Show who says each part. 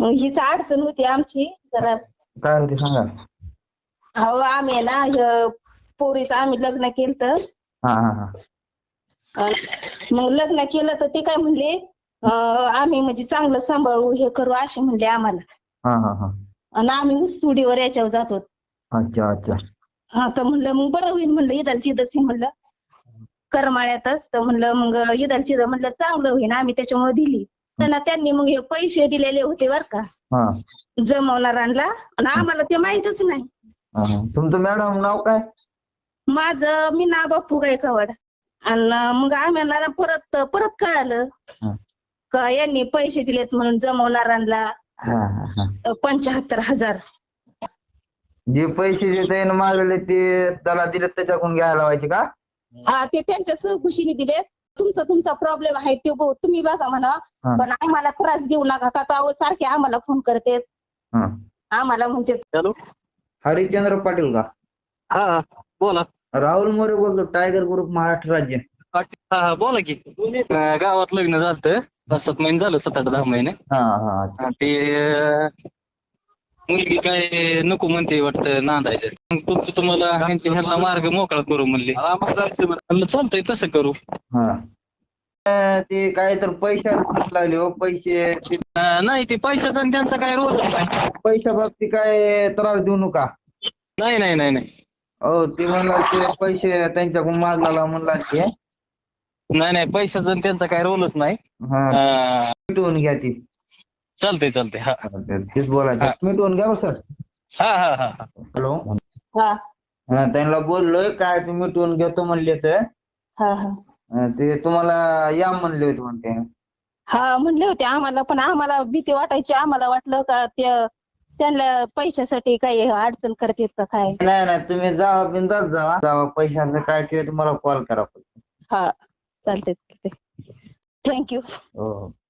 Speaker 1: मग हीच अडचण होती आमची जरा.
Speaker 2: काय होते सांगा.
Speaker 1: अहो आम्ही आहे ना पोरीचं आम्ही लग्न केलं.
Speaker 2: हा हा हा
Speaker 1: मग लग्न केलं तर ते काय म्हणले आम्ही म्हणजे चांगलं सांभाळू हे करू असे म्हणले आम्हाला.
Speaker 2: हा हा हा
Speaker 1: आणि आम्ही ऊसतोडीवर याच्यावर जातो.
Speaker 2: अच्छा अच्छा.
Speaker 1: हा तर म्हणलं मग बरं होईल म्हणलं इदालचिदच म्हणलं करमाळ्यातच. तर म्हणलं मग इदालचिद म्हणलं चांगलं होईल आम्ही त्याच्यामुळे दिली. त्यांनी मग हे पैसे दिलेले होते बर का
Speaker 2: हा
Speaker 1: जमवणाऱ्यांना आणि आम्हाला ते माहितच नाही.
Speaker 2: हा हा. तुमचं मॅडम नाव काय?
Speaker 1: माझं मी ना बापू गायकवाड. आणि मग आम्हाला परत परत कळालं
Speaker 2: हा
Speaker 1: का यांनी पैसे दिलेत म्हणून जमवणाऱ्यांना
Speaker 2: हा हा.
Speaker 1: 75,000.
Speaker 2: जे पैसे जे त्याने मागले ते त्याला दिले त्याच्याकडून घ्यायला लावायचे का?
Speaker 1: हा ते त्यांच्या सहखुशीने दिले. तुमचा प्रॉब्लेम आहे ते तुम्ही बघा म्हणा
Speaker 2: हा.
Speaker 1: पण आम्हाला त्रास देऊ नका का अहो सारखे आम्हाला फोन करते
Speaker 2: हा.
Speaker 1: आम्हाला म्हणते.
Speaker 3: हॅलो.
Speaker 2: हरिश्चंद्र पाटील का?
Speaker 3: हा हा बोला.
Speaker 2: राहुल मोरे बोलतो, टायगर ग्रुप महाराष्ट्र राज्य.
Speaker 3: हा हा बोला की. गावात लग्न झालं 5-7 महिने झालं, 7-8-10 महिने.
Speaker 2: हा हा अच्छा.
Speaker 3: आणि ते मुलगी काय नको म्हणते वाटतं नांदायचं. मग तुमचं तुम्हाला ह्यांना मार्ग मोकळा करू म्हणले. म्हणलं चालतंय तसं करू.
Speaker 2: हा ते काय तर पैसे लागले हो पैसे.
Speaker 3: नाही ते पैशाचा आणि त्यांचा काय रोलच नाही.
Speaker 2: पैशा बाबतीत काय त्रास देऊ नका.
Speaker 3: नाही नाही नाही नाही
Speaker 2: हो ते म्हणला ते पैसे त्यांच्याकडून मागला म्हणला ते.
Speaker 3: नाही नाही पैशाचा आणि त्यांचा काय रोलच नाही.
Speaker 2: हा मिटवून घ्या ती.
Speaker 3: चालतंय चालतंय. हा
Speaker 2: तेच बोलायचं मिटवून घ्या सर.
Speaker 3: हा हा हा.
Speaker 2: हॅलो.
Speaker 1: हा
Speaker 2: हा त्यांना बोललोय काय ते मिटवून घेतो म्हणले तर
Speaker 1: हा हा
Speaker 2: ते तुम्हाला या म्हणले होते म्हणते.
Speaker 1: हा म्हणले होते आम्हाला पण आम्हाला भीती वाटायची. आम्हाला वाटलं का त्यांना पैशासाठी काही अडचण करतात का काय.
Speaker 2: नाही नाही तुम्ही जावा बिंदास जावा पैशाचं काय ते तुम्हाला कॉल करा.
Speaker 1: हा चालतंय थँक्यू.
Speaker 2: हो.